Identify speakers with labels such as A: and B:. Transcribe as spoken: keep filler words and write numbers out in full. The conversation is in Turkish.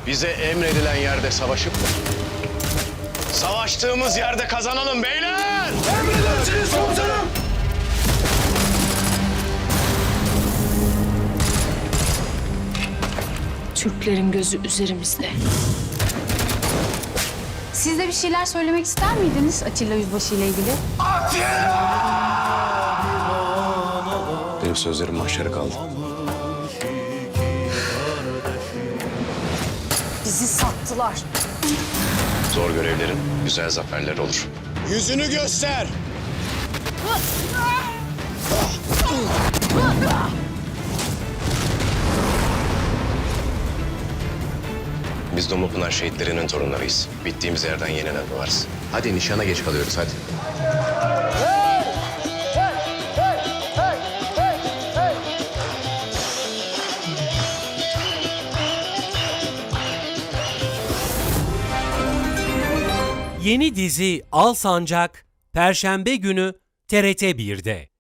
A: Bize emredilen yerde savaşıp savaştığımız yerde kazanalım beyler!
B: Emredersiniz komutanım!
C: Türklerin gözü üzerimizde.
D: Siz de bir şeyler söylemek ister miydiniz Atilla Yüzbaşı ile ilgili?
A: Benim sözlerim mahşere kaldı.
D: Bizi sattılar.
A: Zor görevlerin güzel zaferler olur.
B: Yüzünü göster!
A: Biz Domupınar şehitlerinin torunlarıyız. Bittiğimiz yerden yeniden doğarız. Hadi nişana geç kalıyoruz hadi.
E: Yeni dizi Al Sancak, Perşembe günü T R T bir'de.